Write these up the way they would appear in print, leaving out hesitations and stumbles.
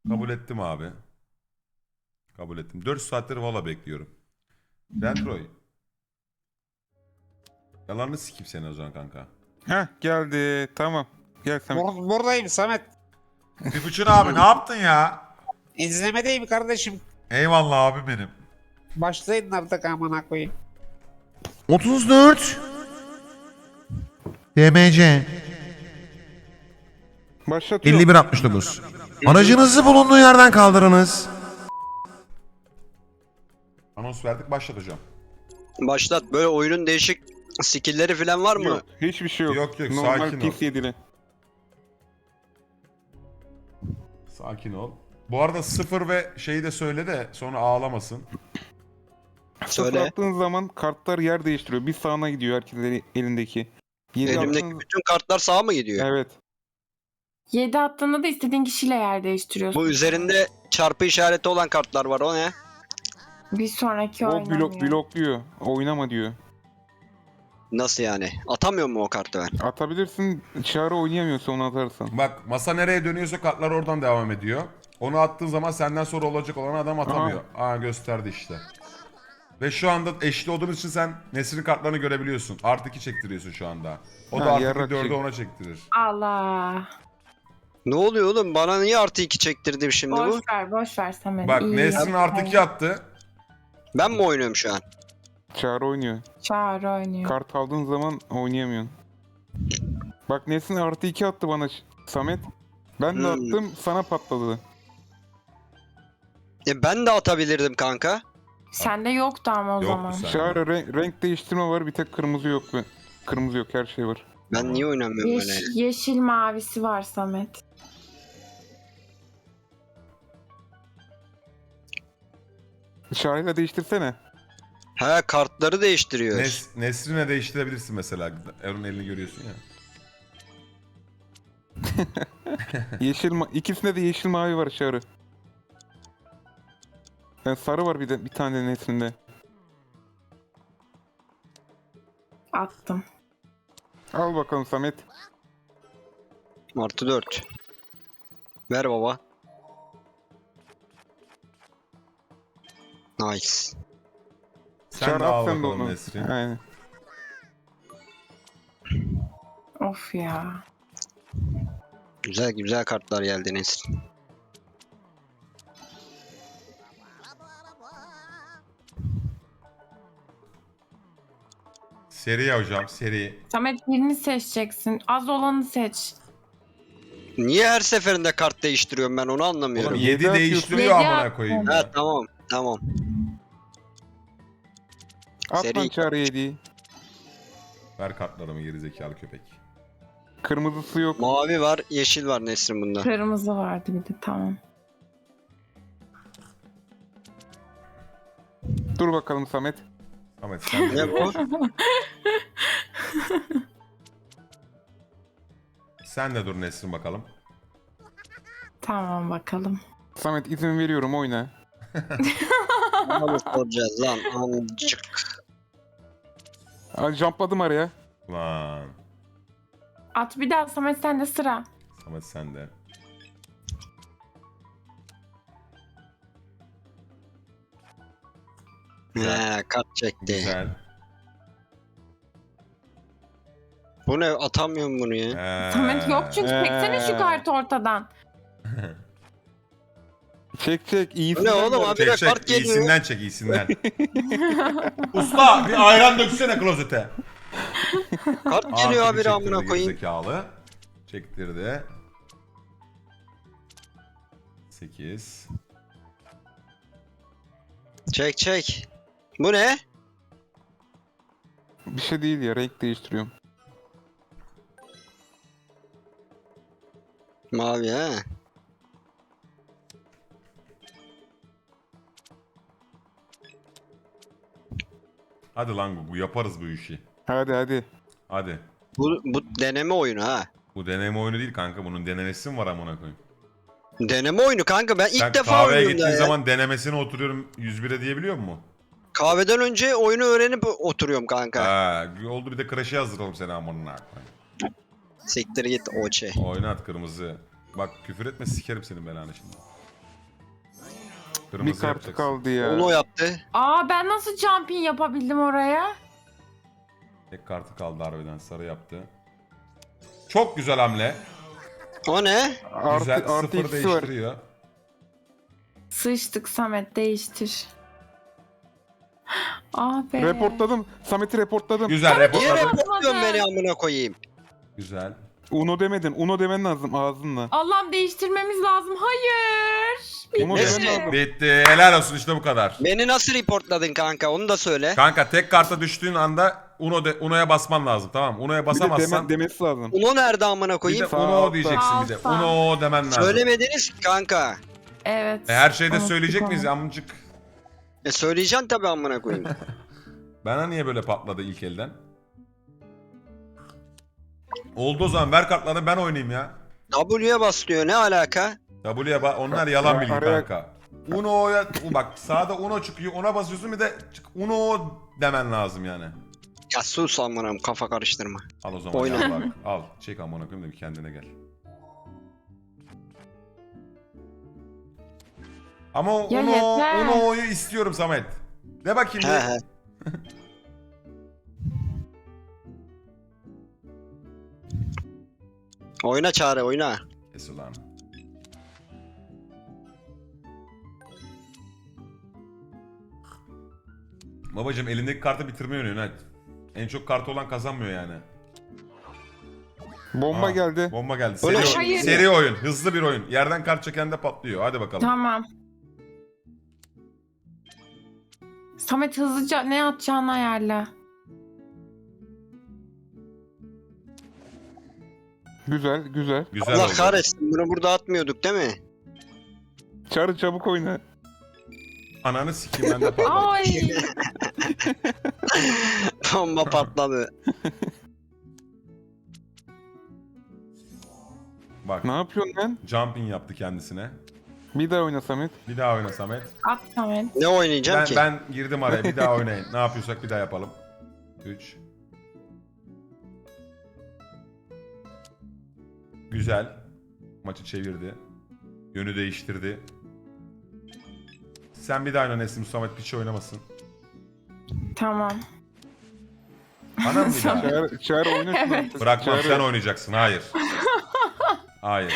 Kabul ettim abi. Kabul ettim. 4 saattir valla bekliyorum. Dentroy. Yalanını sikeyim seni o zaman kanka. Heh geldi. Tamam. Gel Samet. Buradayım Samet. Tipuçin abi ne yaptın ya? İzlemedeyim kardeşim. Eyvallah abi benim. Başlayın artık amına koyayım. 34 DMC Başlatıyorum. 5169. Aracınızı bulunduğu yerden kaldırınız. Anons verdik, başlat hocam. Başlat. Böyle oyunun değişik skill'leri falan var mı? Yok. Hiçbir şey yok. Yok, yok, Normal sakin ol. PC dili. Sakin ol. Bu arada 0 ve şeyi de söyle de sonra ağlamasın. Sıfır Söyle. attığın zaman kartlar yer değiştiriyor. Bir sağına gidiyor herkesin elindeki. Yedi Elimdeki attığın- bütün kartlar sağa mı gidiyor? Evet. 7 attığında da istediğin kişiyle yer değiştiriyorsun. Bu üzerinde çarpı işareti olan kartlar var. O ne? Bir sonraki O oynamıyor. blokluyor. Oynama diyor. Nasıl yani? Atamıyor mu o kartı ben? Atabilirsin. Çağrı oynayamıyorsa onu atarsan. Bak masa nereye dönüyorsa kartlar oradan devam ediyor. Onu attığın zaman senden sonra olacak olan adam atamıyor. Aa gösterdi işte. Ve şu anda eşli olduğun için sen Nesrin kartlarını görebiliyorsun. Artı 2 çektiriyorsun şu anda. O da Ha, artı yarrak 4'ü çek. ona çektirir. Allah. Ne oluyor oğlum? Bana niye artı 2 çektirdim şimdi bu? Boş ver Samet. Bak İyi Nesrin yaptın. artı 2 attı. Ben mi oynuyorum şu an? Çağrı oynuyor. Çağrı oynuyor. Kart aldığın zaman oynayamıyorsun. Bak Nesin artı 2 attı bana Samet. Ben de attım sana patladı. Ben de atabilirdim kanka. Sende yoktu ama o Yoktu zaman. sende. Çağrı renk değiştirme var, bir tek kırmızı yok. Kırmızı yok, her şey var. Ben niye oynamıyorum böyle? Yeşil mavisi var Samet. Çağrı'yla değiştirsene. Ha, kartları değiştiriyor. Nesrin'e değiştirebilirsin mesela. Erun elini görüyorsun ya. İkisinde de yeşil mavi var Çağrı. Yani sarı var bir tane Nesin'de. Attım. Al bakalım Samet. Artı 4. Ver baba. Nice. Sen Çağrı de at al sen de bakalım onu. Nesrin. Aynen. Of ya. Güzel güzel kartlar geldi Nesrin. Seri ya hocam, seri. Samet birini seçeceksin. Az olanı seç. Niye her seferinde kart değiştiriyorum ben onu anlamıyorum. Oğlum Yedi 7 atıyorsun. değiştiriyor Yedi amına koyayım. attın. ya. Ha tamam tamam. At Seri. lan Çağrı hediyeyi. Ver kartlarımı gerizekalı köpek. Kırmızısı yok. Mavi var yeşil var Nesrin bunda. Kırmızı vardı bir de tamam. Dur bakalım Samet. Ahmet sen de Ne bu? Sen de dur Nesrin bakalım. Tamam bakalım. Samet izin veriyorum, oyna. Onu soracağız lan amcık. Jumpladım araya. Lan. At bir daha Samet sende sıra. Samet sen de. He kart çekti. Güzel. Bu ne, atamıyorum bunu ya. Samet yok çünkü çeksene şu kartı ortadan. Çek Bu iyisin. ne oğlum abi de Çek kart çek, geliyor. iyisinden çek, iyisinden. Usta bir ayran döksene klozete. Kart geliyor Artı bir abi amına çektirdi koyayım. gerizekalı. Çektirdi. 8. Çek çek. Bu ne? Bir şey değil ya, renk değiştiriyorum. Mavi he. Hadi lan bu yaparız bu işi. Hadi. Hadi. Bu deneme oyunu ha. Bu deneme oyunu değil kanka, bunun denemesi mi var amına koyayım? Deneme oyunu kanka, ben ilk Sen defa kahveye oynuyorum gittiğin ya. zaman denemesine oturuyorum 101'e diyebiliyor musun? Kahveden önce oyunu öğrenip oturuyorum kanka. Ha, oldu bir de Crash'e hazırlayalım seni amına koyayım. Siktir git oçe. Oynat kırmızı. Bak küfür etme sikerim senin belanı şimdi. Kırmızı Bir kartı yapacaksın. kaldı ya. Onu yaptı. Aa ben nasıl jumping yapabildim oraya? Tek kartı kaldı harbiden. Sarı yaptı. Çok güzel hamle. O ne? Güzel. Artı Sıfır ikisi var. değiştiriyor. Sıçtık Samet değiştir. Ah be. Reportladım. Samet'i reportladım. Güzel Niye reportladı. reportluyorsun beni amına koyayım? Güzel. Uno demedin. Uno demen lazım ağzınla. Allah'ım değiştirmemiz lazım. Hayır. Uno Bitti. demen lazım. Bitti. Helal olsun işte bu kadar. Beni nasıl reportladın kanka onu da söyle. Kanka tek karta düştüğün anda Uno'ya basman lazım, tamam mı? Uno'ya Bir de basamazsan demesi lazım. Uno nerede amına bir de koyayım? Sağ Uno altta. diyeceksin bir de. Altta. Uno demen lazım. Söylemediniz ki kanka. Evet. Her şeyde Unuttuk söyleyecek onu. miyiz amcık? Söyleyeceksin tabii amına koyayım. Bana niye böyle patladı ilk elden? Oldu o zaman, ver kartlarını ben oynayayım ya. W'ye bas diyor ne alaka? Onlar yalan Ya, bilgi araya- kanka. Uno'ya bak sağda Uno çıkıyor, ona basıyorsun, bir de Uno demen lazım yani. Ya sus amına kafa karıştırma. Al o zaman Oyna. gel bak. Al çek amına koyayım da bir kendine gel. Ama o Ya yeter. Uno'yu istiyorum Samet. De bakayım He bir. he. Oyna Çağrı oyna. Kes ulan. Babacım elindeki kartı bitirmeyi oynuyorsun hadi. En çok kartı olan kazanmıyor yani. Bomba Aa, geldi. Bomba geldi. Öyle Seri, Hayır. seri oyun. Hızlı bir oyun. Yerden kart çeken de patlıyor. Hadi bakalım. Tamam. Samet hızlıca ne atacağını ayarla. Güzel güzel. Güzel Allah oldu. kahretsin bunu burada atmıyorduk değil mi? Çağrı çabuk oyna. Ananı sikeyim ben de patladım. Ay. Bomba patladı. Bak Ne yapıyorsun lan? jumping yaptı kendisine. Bir daha oyna Samet. Bir daha oyna Samet. At Samet. Ne oynayacağım Ben, ki? ben girdim araya. Bir daha oynayın. Ne yapıyorsak bir daha yapalım. 3. Güzel. Maçı çevirdi. Yönü değiştirdi. Sen bir daha oyna Nesim, Samet piçi oynamasın. Tamam. Bana mı bir daha? Çağrı oyna şunu artık. Bırakmam, Çağrı- sen oynayacaksın. Hayır. Hayır.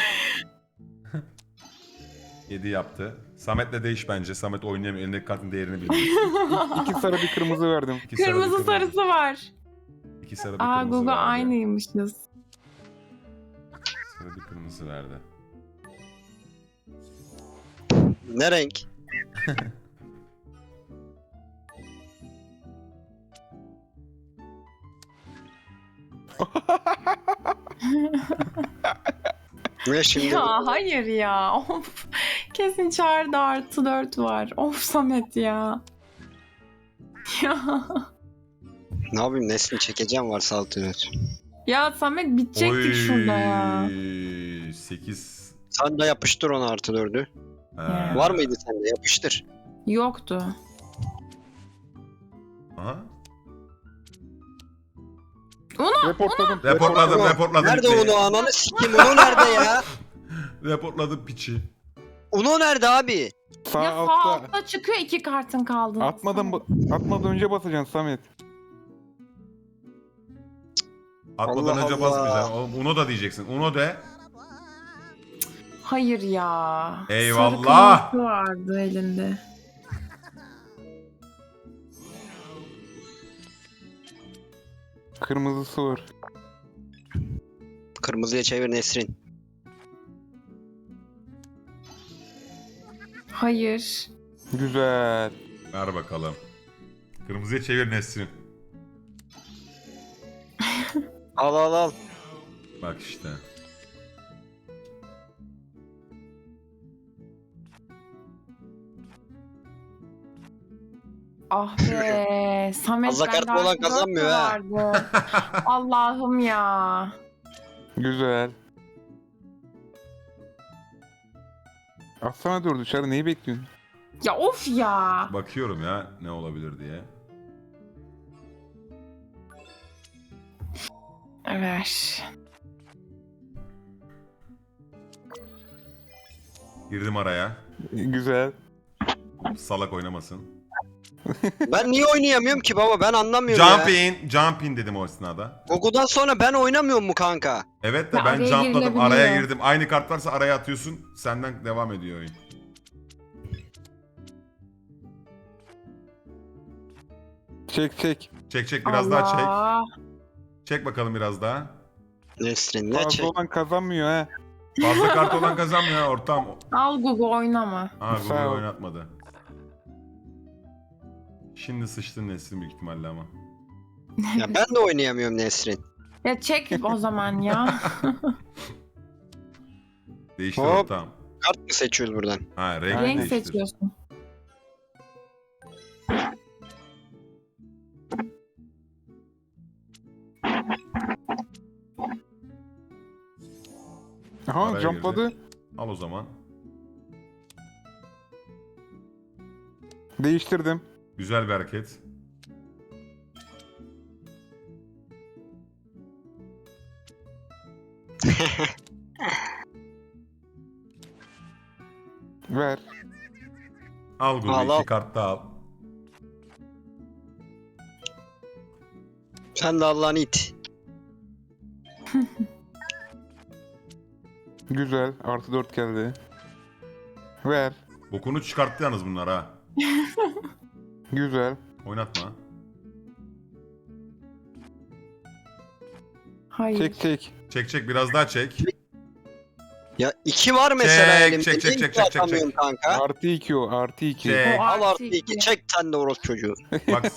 7 yaptı. Samet'le değiş bence. Samet oynayamıyor. Elindeki kartın değerini bilmiyor. İki sarı bir kırmızı verdim. İki sarı, bir Kırmızı sarısı var. İki sarı bir Aa kırmızı Google verdi. aynıymışız. Sarı bir kırmızı verdi. Ne renk? Ne şimdi? Ya hayır ya. Of. Kesin çağrıda artı 4 var. Of Samet ya. Ya. Ne yapayım Nesli çekeceğim varsa altını. Ya Samet bitecektik şurada ya. 8. Sen de yapıştır onu artı dördü. Ya. Var mıydı sende? Yapıştır. Yoktu. Aha. Reportladım. Reportladım. Nerede bitti. onu ananı sikeyim onu nerede ya? Reportladım piçi. Uno nerede abi? Sağ Ya sağ altta. altta çıkıyor 2 kartın kaldı. Atmadan önce basacaksın Samet. Atmadan Allah önce Allah. basmayacaksın. Oğlum Uno da diyeceksin. Uno de. Hayır ya. Eyvallah. Sarı kırmızı vardı elinde. Kırmızısı var. Kırmızıya çevir Nesrin. Hayır. Güzel. Ver bakalım. Kırmızıya çevir Nesrin. Al al al. Bak işte. Ah be. Samet Fazla kart bende olan artı dört kazanmıyor mü ha. vardı? Allah'ım ya. Güzel. Atsana dördü Çağrı neyi bekliyorsun? Ya of ya. Bakıyorum ya ne olabilir diye. Ver. Girdim araya. Güzel. Salak oynamasın. Ben niye oynayamıyorum ki baba? Ben anlamıyorum Jump ya. in. Jump in dedim o esnada. Gogo'dan sonra ben oynamıyorum mu kanka? Evet de Ya ben araya jumpladım. girilebiliyor. Araya girdim. Aynı kart varsa araya atıyorsun. Senden devam ediyor oyun. Çek çek. Çek biraz daha çek. Allah. Çek bakalım biraz daha. Nesrin ne Fazla çek? olan kazanmıyor ha. Fazla kart olan kazanmıyor ortam. Al Google oynama. Ha Sağ Google ol. oynatmadı. Şimdi sıçtın Nesrin büyük ihtimalle ama. Ya ben de oynayamıyorum Nesrin. Ya çek o zaman ya. Değiştir Hop. ortam. Kart mı seçiyoruz buradan? Ha renk, Renk değiştir. seçiyorsun. Aha Araya jumpladı. girdi. Al o zaman. Değiştirdim. Güzel bir hareket. Ver. Al Google Al, al. 2 kart da al. Sen de Allah'ın it. Güzel. Artı 4 geldi. Ver. Bokunu çıkarttı yalnız bunlar ha. Güzel. Oynatma. Hayır. Çek. Çek biraz daha çek. Ya 2 var mesela Çek, elimde. çek, Niye çek, iki çek, çek, atamıyorum kanka? Artı 2 o. Artı 2. Çek. O Al artı artı 2. iki. Çek sen de orospu çocuğu. Bak.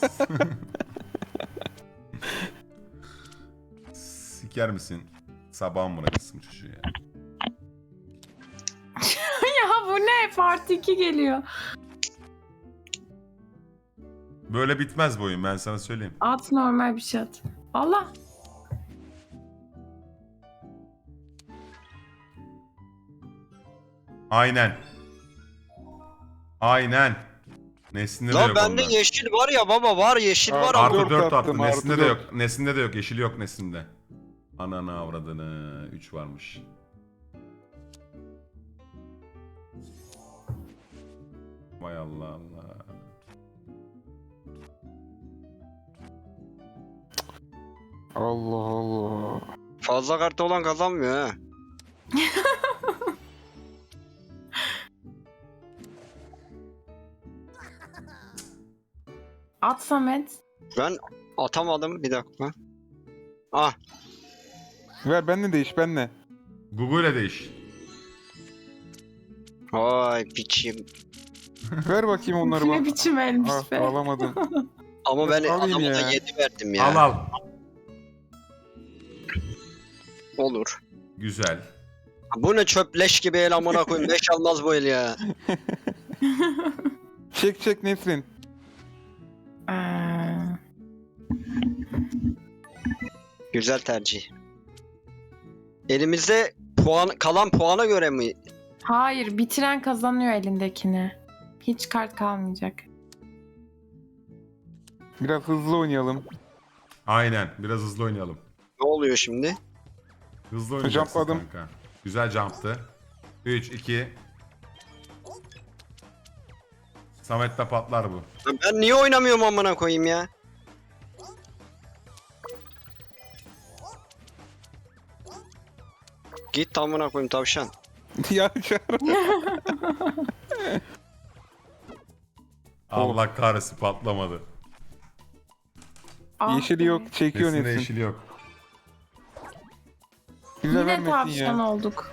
Siker misin? Sabahın bırakırsın çocuğu ya. Ya bu ne? Part 2 geliyor. Böyle bitmez bu oyun ben sana söyleyeyim. At normal bir şey at. Allah. Aynen. Aynen. Nesinde de La yok bende ondan. yeşil var ya baba var yeşil var ama. Artı Dört 4 attım, attı. artı Nesinde de dört. yok. Nesinde de yok. Yeşili yok Nesinde. Ananı avradını. 3 varmış. Vay Allah Allah. Allah Allah. Fazla kartı olan kazanmıyor ha. At Samet. Ben atamadım bir dakika. Ah Ver benle değiş benle. Google ile değiş. vay piçim. Ver bakayım onları Ne bak. biçim elmiş Ah, be. alamadım. Ama ben Alayım adama da ya. 7 verdim ya. Al al. Olur. Güzel. Bu ne çöpleş gibi el amına koyayım. 5 almaz bu el ya. Çek Nesrin. Güzel tercih. Elimizde puan kalan puana göre mi? Hayır, bitiren kazanıyor elindekini. Hiç kart kalmayacak. Biraz hızlı oynayalım. Aynen. Biraz hızlı oynayalım. Ne oluyor şimdi? Hızlı oynayacaksın Jumpladım. kanka. Güzel jumptı. 3, 2. Samet'te patlar bu. Ben niye oynamıyorum amına koyayım ya? Git amına koyayım tavşan. Ya Çağrı. Allah kahretsin patlamadı. Ah Yeşili be. yok. Çekiyor Nesinde Nesrin. yeşili yok. Güzel Yine vermesin tavşan ya. olduk.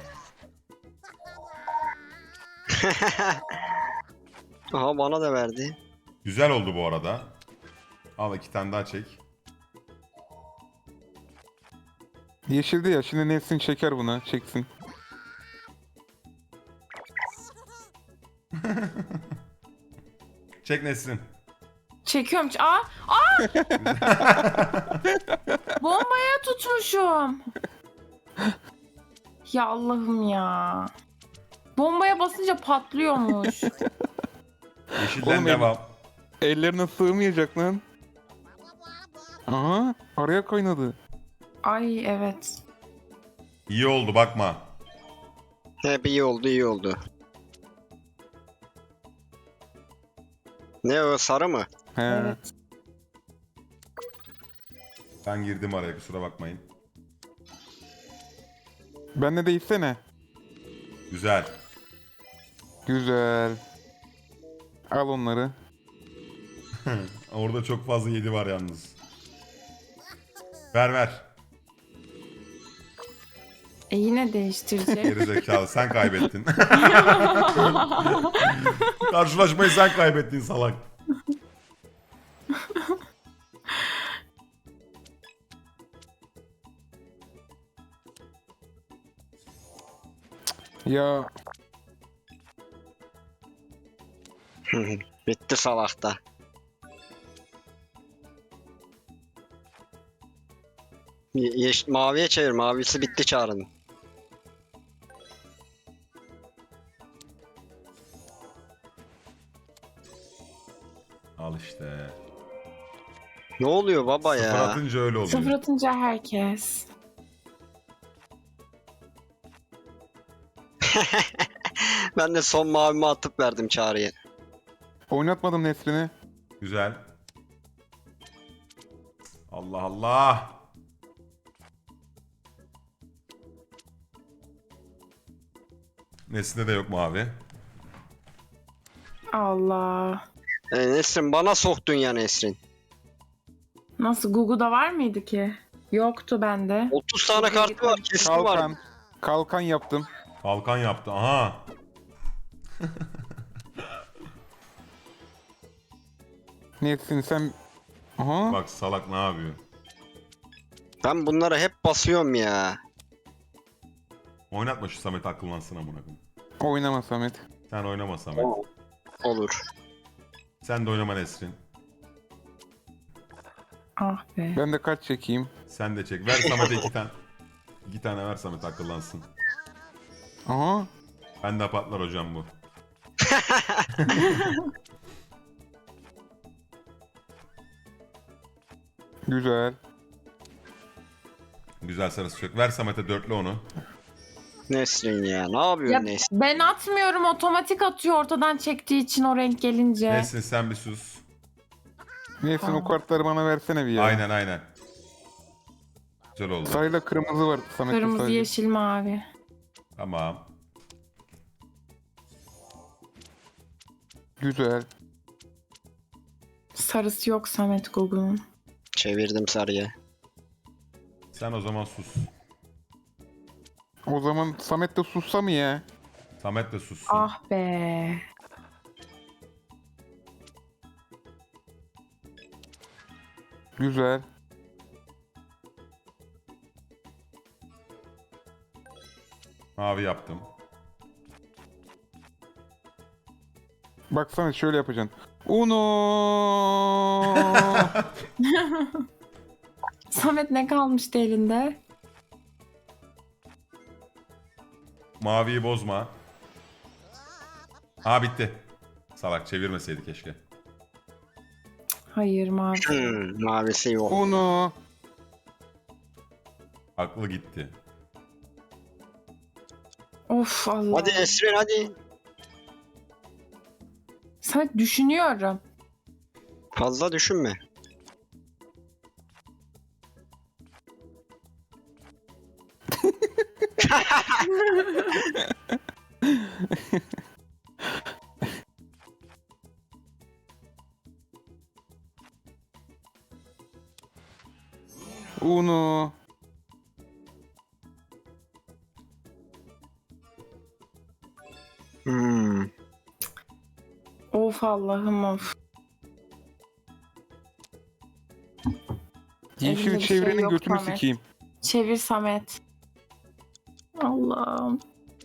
Aha bana da verdi. Güzel oldu bu arada. Al 2 tane daha çek. Yeşildi ya. Şimdi Nesrin çeker bunu. Çeksin. Çek Nesrin. Çekiyorum. Aa! Bombaya tutmuşum. Ya Allah'ım ya. Bombaya basınca patlıyormuş. Yeşilden Oğlum, devam. Ellerine sığmayacak lan. Aha. Araya kaynadı. Ay evet. İyi oldu bakma. Hep iyi oldu iyi oldu. Ne o, sarı mı? He. Evet. Ben girdim araya, kusura bakmayın. Bende de istene. Güzel. Güzel. Al onları. Orada çok fazla 7 var yalnız. Ver ver. Yine değiştirecek. Geri zekalı, sen kaybettin. Karşılaşmayı sen kaybettin salak. Ya Bitti salakta. Maviye çevir. Mavisi bitti çağrının. Al işte. Ne oluyor baba Sıfır ya? atınca öyle oluyor. Sıfır atınca herkes. Ben de son mavimi atıp verdim çağrıya. oynatmadım Nesrin'i. Güzel. Allah Allah. Nesinde de yok mavi. Allah. Nesrin bana soktun ya Nesrin. Nasıl, Google'da var mıydı ki? Yoktu bende. 30 tane kartı var, kesin var. Kalkan. Kalkan yaptım. Kalkan yaptı. Aha. Nesrin sen... Aha. Bak salak ne yapıyor? Ben bunlara hep basıyorum ya. Oynatma şu Samet, akıllansın amına koyayım. Oynama Samet. Sen oynama Samet. Olur. Sen de oynama Nesrin. Ah be. Ben de kaç çekeyim. Sen de çek. Ver Samet'e 2 tane. 2 tane ver Samet, akıllansın. Aha. Ben de patlar hocam bu. Güzel. Güzel sarısı çok. Ver Samet'e dörtlü onu. Nesrin ya, ne yapıyorsun Ya Nesrin? ben atmıyorum, otomatik atıyor ortadan çektiği için o renk gelince. Nesrin sen bir sus. Nesrin o Tamam. kartları bana versene bir ya. Aynen aynen. Güzel oldu. Sarıyla kırmızı var Samet'te Kırmızı, sadece. yeşil, mavi. Tamam. Güzel. Sarısı yok Samet Google'un. Çevirdim sarıya. Sen o zaman sus. O zaman Samet de sussa mı ya? Samet de sussun. Ah be. Güzel. Mavi yaptım. Bak Samet şöyle yapacaksın. Uno. Samet ne kalmıştı elinde? Maviyi bozma. Ha bitti. Salak, çevirmeseydi keşke. Hayır, mavi. Mavisi yok. Uno. Aklı gitti. Of Allah. Hadi Nesrin hadi. Samet düşünüyorum. Fazla düşünme. Uno. Hmm. Of Allah'ım of. Elimde Yeşil bir şey çevrenin yok götünü Samet. sikeyim. Çevir Samet. Allah'ım.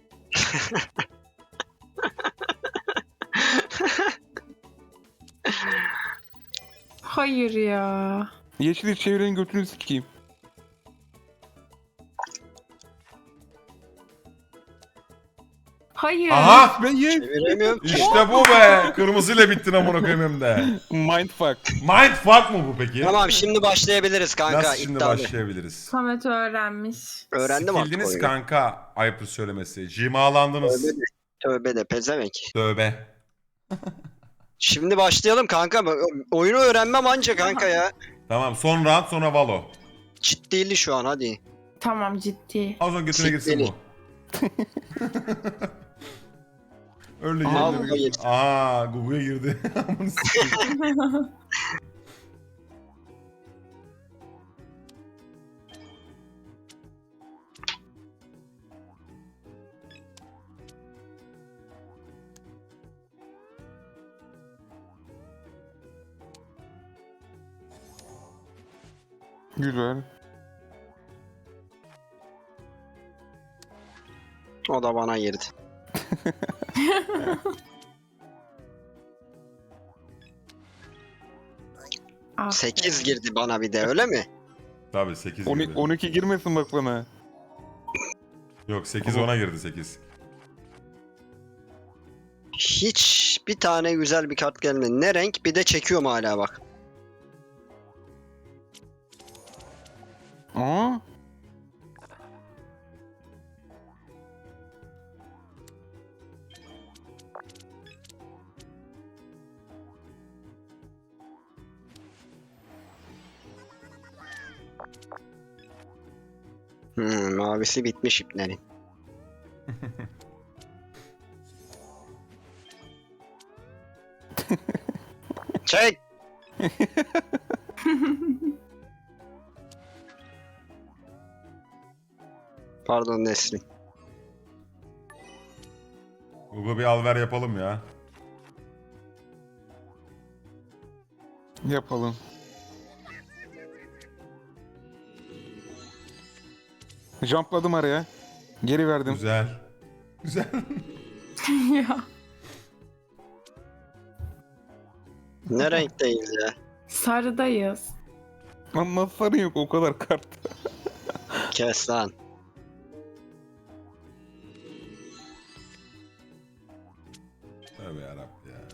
Hayır ya. Yeşil çevrenin götünü sikeyim. Hayır. Aha! Ben ye. Çeviremiyorum ki. İşte bu be! Kırmızıyla bittin amına koyayım hem de. Mindfuck. Mindfuck mı bu peki? Tamam, şimdi başlayabiliriz kanka. Nasıl şimdi iddialı. başlayabiliriz? Samet öğrenmiş. Öğrendim artık Sikildiniz oyunu. kanka, ayıptır söylemesi. Cimalandınız. Tövbe de pezevenk. Tövbe. Şimdi başlayalım kanka. Oyunu öğrenmem anca kanka ya. Tamam son round sonra Valo. Ciddili şu an hadi. Tamam ciddi. Az önce götüne girsin bu. Öyle Aha, girdi. Google'a girdi. Aa Google'a girdi. Amına sikeyim. Güzel. O da bana girdi. Aferin. 8 girdi bana bir de öyle mi? Tabii 8 12, girdi. 12 girmesin bak bana. Yok 8 Ama- ona girdi 8. Hiç bir tane güzel bir kart gelmedi. Ne renk? Bir de çekiyorum hala bak. Aa. Mavisi bitmiş iplerin. Çek! Pardon Nesrin. Google bir alver yapalım ya. Yapalım. Jumpladım araya. Geri verdim. Güzel. Güzel. Ya. Ne renkteyiz ya? Sarıdayız. Ama sarı yok o kadar kart. Kes lan. Tövbe yarabbim ya.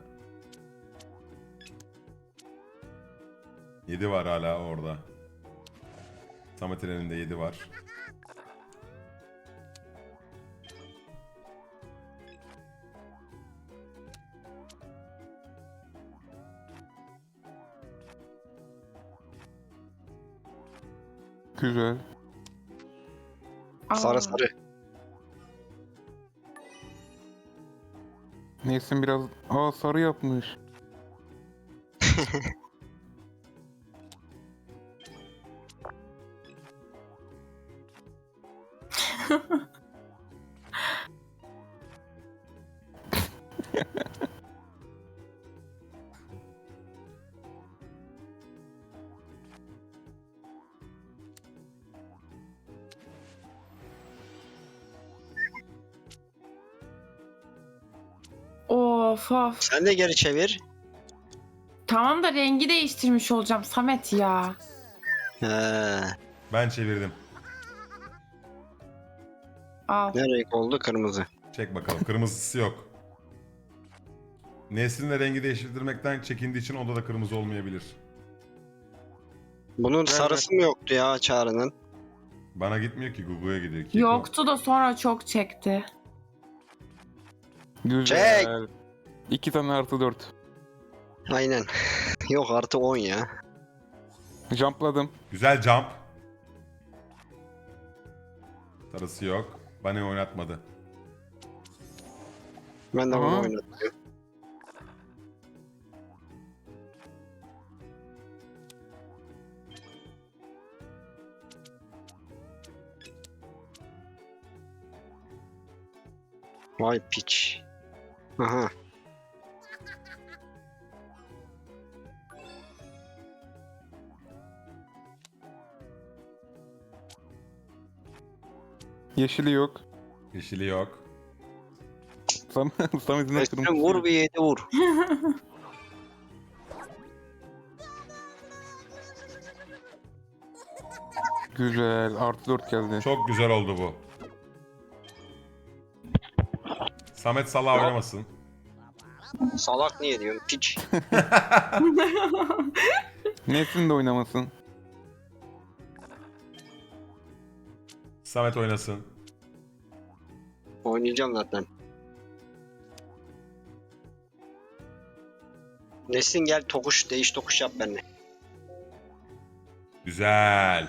7 var hala orada. Samet'in elinde 7 var. Güzel. Aa, Sarı sarı. Nesin biraz... Aa sarı yapmış. Of of. Sen de geri çevir. Tamam da rengi değiştirmiş olacağım Samet ya. He. Ben çevirdim. Al. Ne renk oldu? Kırmızı. Çek bakalım. Kırmızısı yok. Nesrin'le rengi değiştirmekten çekindiği için onda da kırmızı olmayabilir. Bunun sarısı mı yoktu ya Çağrı'nın? Bana gitmiyor ki Google'a gidiyor. Keko. Yoktu da sonra çok çekti. Güzel. 2 tane artı 4. Aynen. Yok artı 10 ya. Jumpladım. Güzel jump. Sarısı yok. Bana oynatmadı. Ben de bunu Aha. oynatıyorum. Vay piç. Aha. Yeşili yok. Yeşili yok. Samet'in Üstüne kırmızı. vur bir 7 vur. Güzel. Artı 4 geldi. Çok güzel oldu bu. Samet Salah oynamasın. Salak niye diyorsun piç. Nesin de oynamasın. Samet oynasın. Oynayacağım zaten. Nesin gel tokuş, değiş tokuş yap benimle. Güzel.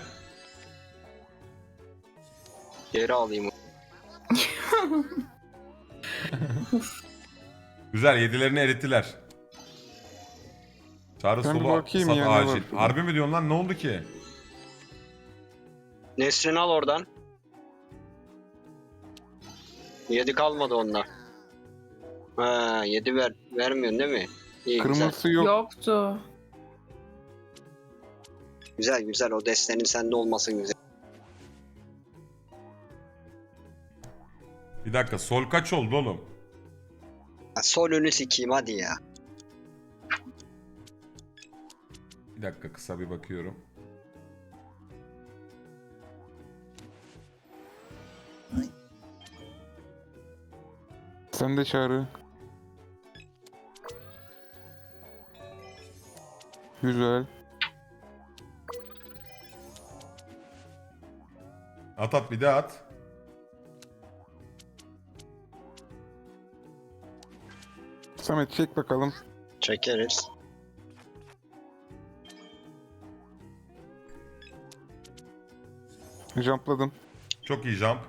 Geri alayım. Güzel, yedilerini erittiler. Çağrı Ben bir solu bakayım sat ya, ne acil. var şurada? Harbi mi diyorsun lan, ne oldu ki? Nesrin al oradan. 7 kalmadı onda. Ha 7 vermiyorsun değil mi? İyi güzel. Kırmızısı yok. Yoktu. Güzel güzel o destenin sende olması güzel. Bir dakika, sol kaç oldu oğlum? Ha, sol önü sikeyim hadi ya. Bir dakika, kısa bir bakıyorum. Sen de Çağrı. Güzel. At bir daha at. Samet çek bakalım. Çekeriz. Jumpladım. Çok iyi jump.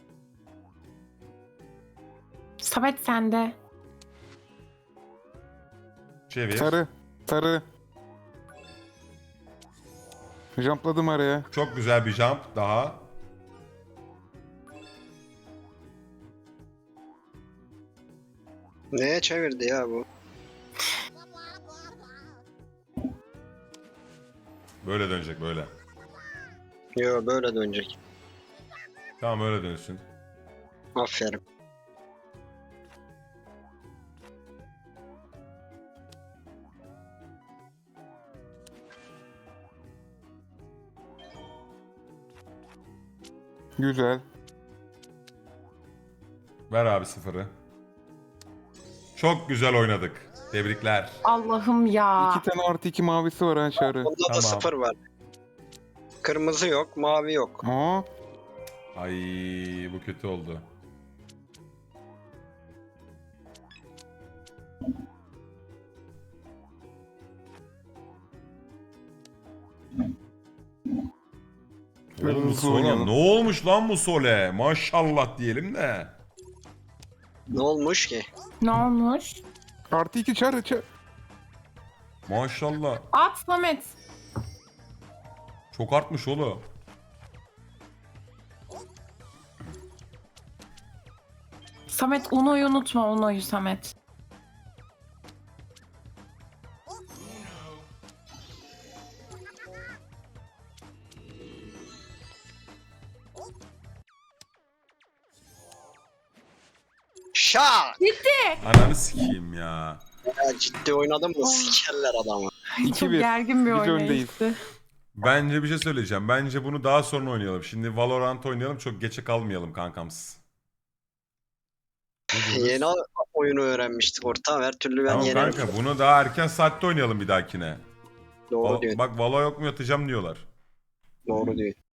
Samet sende. Çevir. Sarı. Sarı. Jumpladım araya. Çok güzel bir jump daha. Neye çevirdi ya bu? Böyle dönecek, böyle. Yo böyle dönecek. Tamam, öyle dönsün. Aferin. Güzel. Ver abi sıfırı. Çok güzel oynadık. Tebrikler. Allah'ım ya. 2 tane artı 2 mavisi var ha Çağrı. Onda Tamam. da 0 var. Kırmızı yok, mavi yok. Aa, Ay, bu kötü oldu. Biraz Oğlum bu hızlı Sole oynayalım. ne olmuş lan bu Sole? Maşallah diyelim de. Ne olmuş ki? Ne olmuş? artı 2 Çağrı. Maşallah. At Samet. Çok artmış oğlum. Samet Uno'yu unutma, Uno'yu Samet. Şak! Ananı sikeyim ya. Ya ciddi oynadın mı? Sikerler adamı. Çok 2-1. gergin bir Biz oynayıştı. Bence bir şey söyleyeceğim. Bence bunu daha sonra oynayalım. Şimdi Valorant oynayalım. Çok geçe kalmayalım kankams. Ne diyoruz? Yeni oyunu öğrenmiştik ortam. Her türlü ben Tamam yenerim. kanka, bunu daha erken saatte oynayalım bir dahakine. Doğru diyor. Bak Valo yok mu yatacağım diyorlar. Doğru diyor.